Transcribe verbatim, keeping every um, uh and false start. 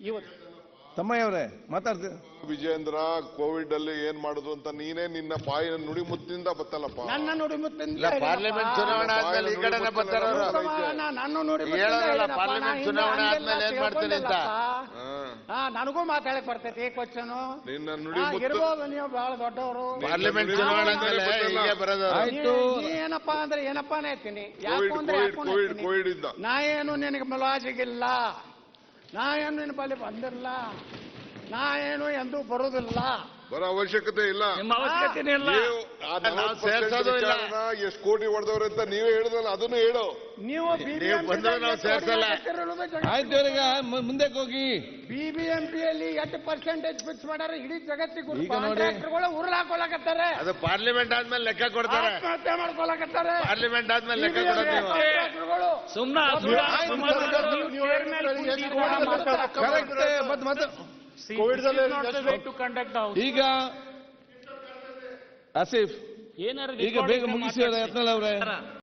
ಇವತ್ತು ತಮ್ಮಯ್ಯ ಅವರೇ ಮಾತಾಡ್ತೀವಿ. ವಿಜೇಂದ್ರ ಕೋವಿಡ್ ಅಲ್ಲಿ ಏನ್ ಮಾಡುದು ಅಂತ ನೀನೇ ನಿನ್ನ ಬಾಯಿನ ನುಡಿಮುತ್ತಿಂದ ಬತ್ತಲ್ಲಪ್ಪ. ನನ್ನ ನುಡಿಮುತ್ತಿಂದ ಇಲ್ಲ, ಪಾರ್ಲಿಮೆಂಟ್ ಚುನಾವಣೆ ಆದ್ಮೇಲೆ ಈ ಕಡೆನೆ ಬರ್ತಾರ ನಾನು ನೋಡಿ ಹೇಳೋರಲ್ಲ ಪಾರ್ಲಿಮೆಂಟ್ ಚುನಾವಣೆ ಆದ್ಮೇಲೆ ಏನ್ ಮಾಡ್ತೀನಿ ಅಂತ. ಹಾ ನನಗೂ ಮಾತಾಡಕ್ ಬರ್ತೈತಿ ಕ್ವಶನ್ ನಿನ್ನ ನುಡಿಮುತ್ತು ಇರ್ಬೋದು, ನೀವು ಬಹಳ ದೊಡ್ಡವರು. ಪಾರ್ಲಿಮೆಂಟ್ ಚುನಾವಣೆ ಆದ್ಮೇಲೆ ಹೀಗೆ ಬರೋದು. ಆಯ್ತು. ನೀ ಏನಪ್ಪಾ ಅಂದ್ರೆ ಏನಪ್ಪಾನೇ ಹೇಳ್ತೀನಿ, ಯಾಕು ಕೋವಿಡ್ ಅಂದ್ರೆ ಕೋವಿಡ್ ಯಾಕೂ ಕೋವಿಡ್ ಹೇಳ್ತೀನಿ. ಕೋವಿಡ್ ಇದ್ದ ನಾ ಏನು ನಿನಗೆ ಮುಲಾಜಿಗಿಲ್ಲ, ನಾ ಏನು ನಿನ್ನ ಬಳಿ ಬಂದಿಲ್ಲ, ನಾ ಏನು ಎಂದೂ ಬರುವುದಿಲ್ಲ, ಬರೋ ಅವಶ್ಯಕತೆ ಇಲ್ಲ. ನಿಮ್ಮ ಅವಶ್ಯಕತೆ ಇಲ್ಲ. ನೀವು ಆ ನಾವು ಸೇರ್ಸೋದು ಇಲ್ಲ. ವಿಚಾರನ ಎಷ್ಟು ಕೋಟಿ ಹೊಡೆದವ್ರೆ ಅಂತ ನೀವೇ ಹೇಳಿದ್ರಲ್ಲ, ಅದನ್ನು ಹೇಳು. ನೀವು ನೀವು ಬಂದ್ರೆ ನಾವು ಸೇರ್ಸಲ್ಲ. ಆಯ್ತು ಇವರಿಗೆ ಮುಂದಕ್ಕೆ ಹೋಗಿ. ಬಿಬಿಎಂಪಿಯಲ್ಲಿ ಎಷ್ಟು ಪರ್ಸೆಂಟೇಜ್ ಫಿಕ್ಸ್ ಮಾಡ್ಯಾರ ಇಡೀ ಜಗತ್ತಿಗೆ. ಈಗ ನೋಡಿ. ಕಾಂಟ್ರಾಕ್ಟರ್ಗಳು ಉರುಳು ಹಾಕೊಳಕತ್ತಾರೆ, ಅದು ಪಾರ್ಲಿಮೆಂಟ್ ಆದ್ಮೇಲೆ ಲೆಕ್ಕ ಕೊಡ್ತಾರೆ. ಆತ್ಮಹತ್ಯೆ ಮಾಡ್ಕೊಳಕತ್ತಾರೆ. ಪಾರ್ಲಿಮೆಂಟ್ ಆದ್ಮೇಲೆ ಲೆಕ್ಕ ಕೊಡೋದು ನೀವು. ಕಾಂಟ್ರಾಕ್ಟರ್ಗಳು ಸುಮ್ನ ಕರೆಕ್ಟ್ ಮತ್ತೆ ಮತ್ತೆ ಈಗ ಆಸಿಫ್ ಏನಾರ ಈಗ ಬೇಗ ಮುಗಿಸಿ ಯತ್ನಾಳ್ ಅವರೇ.